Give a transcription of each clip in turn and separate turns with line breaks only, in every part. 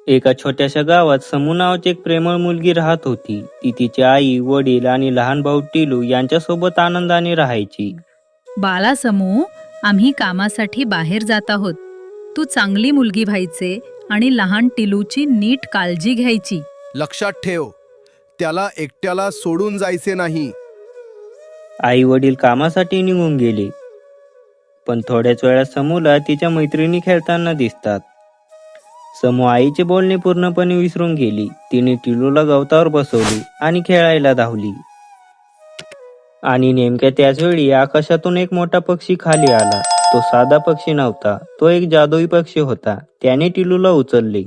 एका छोट्याशा गावात समू नावाची एक प्रेमळ मुलगी राहत होती. ती तिची आई, वडील आणि लहान भाऊ टिलू यांच्यासोबत आनंदाने राहायची.
बाला समू, आम्ही कामासाठी बाहेर जात आहोत. तू चांगली मुलगी व्हायचे आणि लहान टिलूची नीट काळजी घ्यायची.
लक्षात ठेव, त्याला एकट्याला सोडून जायचे नाही.
आई वडील कामासाठी निघून गेले, पण थोड्याच वेळात समूला तिच्या मैत्रिणी खेळताना दिसतात. समू आईचे बोलणे पूर्णपणे विसरून गेली. तिने टिलूला गवतावर बसवले आणि खेळायला धावली. आणि नेमक्या त्याच वेळी आकाशातून एक मोठा पक्षी खाली आला. तो साधा पक्षी नव्हता, तो एक जादुई पक्षी होता. त्याने टिलूला उचलले.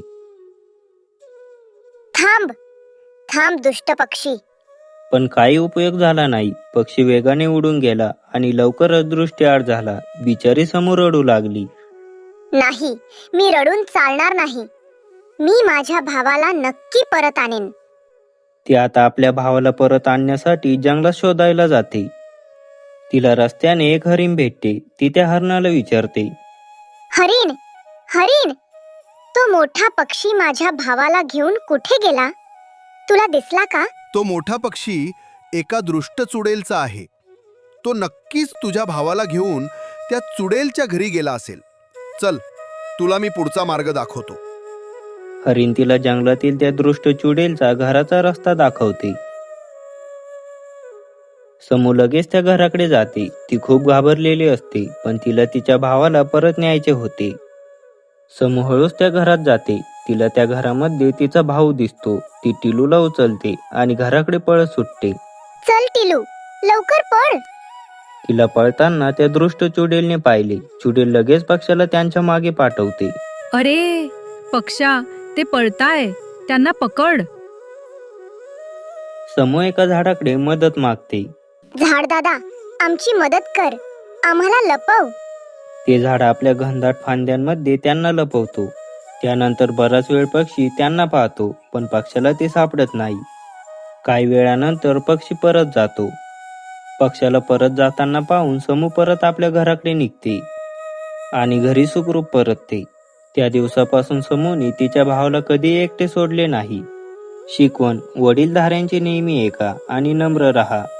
थांब थांब दुष्ट पक्षी.
पण काही उपयोग झाला नाही. पक्षी वेगाने उडून गेला आणि लवकरच दृष्टीआड झाला. बिचारी समू रडू लागली.
नाही, मी रडून चालणार नाही. मी माझ्या भावाला नक्की परत आणेन.
ती आता आपल्या भावाला परत आणण्यासाठी जंगलात शोधायला जाते. तिला रस्त्याने एक हरिण भेटते. ती त्या हरणाला विचारते,
हरिण, हरिण, तो मोठा पक्षी माझ्या भावाला घेऊन कुठे गेला? तुला दिसला का?
तो मोठा पक्षी एका दृष्ट चुडेलचा आहे. तो नक्कीच तुझ्या भावाला घेऊन त्या चुडेलच्या घरी गेला असेल. चल, तुला मी पुढचा मार्ग दाखवतो.
हरिण तिला जंगलातील त्या दृष्ट चुडेलचा घराचा रस्ता दाखवते. समू लगेच त्या घराकडे जाते. ती खूप घाबरलेली असते, पण तिला तिच्या भावाला परत न्यायचे होते. समू हळूच त्या घरात जाते. तिला त्या घरामध्ये तिचा भाऊ दिसतो. ती टिलूला उचलते आणि घराकडे पळत सुटते.
चल टिलू, लवकर पळ.
तिला पळताना त्या दृष्ट चुडेलने पाहिले. चुडेल लगेच पक्षाला त्यांच्या मागे पाठवते.
अरे पक्षा, ते पळताय, त्यांना पकड.
समू एका झाडाकडे मदत मागते.
झाड दादा, आमची मदत कर, आम्हाला लपव.
ते झाड आपल्या घनदाट फांद्यांमध्ये त्यांना लपवतो. त्यानंतर बराच वेळ पक्षी त्यांना पाहतो, पण पक्षाला ते सापडत नाही. काही वेळानंतर पक्षी परत जातो. पक्षाला परत जाताना पाहून समू परत आपल्या घराकडे निघते आणि घरी सुखरूप परतते. त्या दिवसापासून समूने तिच्या भावाला कधी एकटे सोडले नाही. शिकवण: वडीलधाऱ्यांचे नेहमी ऐका आणि नम्र राहा.